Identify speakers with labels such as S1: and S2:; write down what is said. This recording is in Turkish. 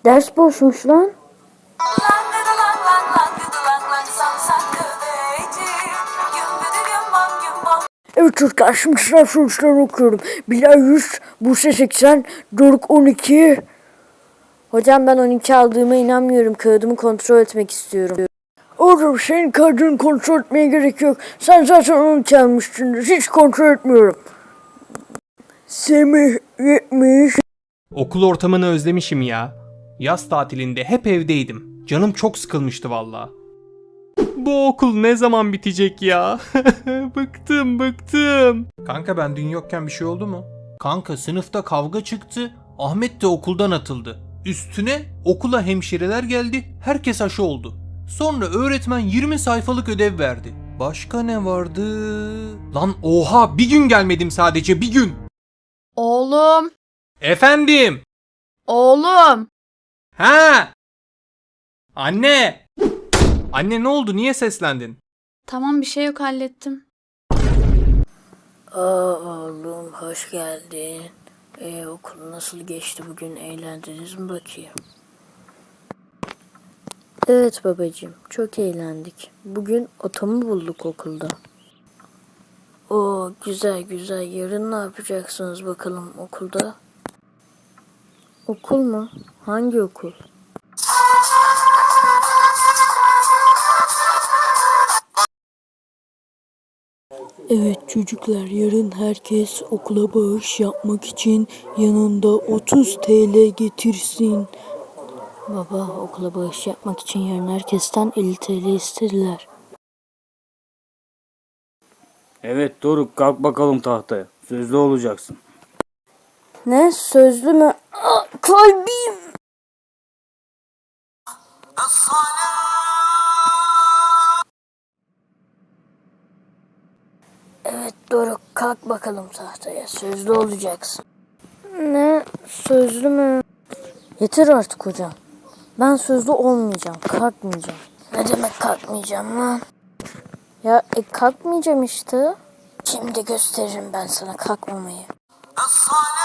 S1: Ders boşmuş lan. Evet çocuklar, şimdi sınav sonuçlarını okuyorum. Bilal 100, Buse 80, Doruk 12. Hocam ben 12 aldığıma inanmıyorum. Kağıdımı kontrol etmek istiyorum. Oğlum senin kağıdını kontrol etmeye gerek yok. Sen zaten 12 almışsın. Hiç kontrol etmiyorum. Semih 70.
S2: Okul ortamını özlemişim ya. Yaz tatilinde hep evdeydim. Canım çok sıkılmıştı valla. Bu okul ne zaman bitecek ya? Bıktım. Kanka ben dün yokken bir şey oldu mu? Kanka sınıfta kavga çıktı. Ahmet de okuldan atıldı. Üstüne okula hemşireler geldi. Herkes aşı oldu. Sonra öğretmen 20 sayfalık ödev verdi. Başka ne vardı? Lan oha, bir gün gelmedim, sadece bir gün.
S3: Oğlum,
S2: Efendim?
S3: oğlum.
S2: Ha? Anne! Anne ne oldu? Niye seslendin?
S3: Tamam bir şey yok hallettim.
S1: Oğlum hoş geldin. Okul nasıl geçti bugün? Eğlendiniz mi bakayım? Evet babacığım, çok eğlendik. Bugün otomu bulduk okulda. Oo güzel güzel. Yarın ne yapacaksınız bakalım okulda? Okul mu? Hangi okul? Evet çocuklar, yarın herkes okula bağış yapmak için yanında 30 TL getirsin. Baba, okula bağış yapmak için yarın herkesten 50 TL istediler.
S4: Evet Doruk, kalk bakalım tahtaya. Sözlü olacaksın.
S1: Ne? Sözlü mü? Aa, kalbim! Evet Doruk, kalk bakalım tahtaya. Sözlü olacaksın. Ne? Sözlü mü? Yeter artık hocam. Ben sözlü olmayacağım. Kalkmayacağım. Ne demek kalkmayacağım lan? Ya kalkmayacağım işte. Şimdi gösteririm ben sana kalkmamayı.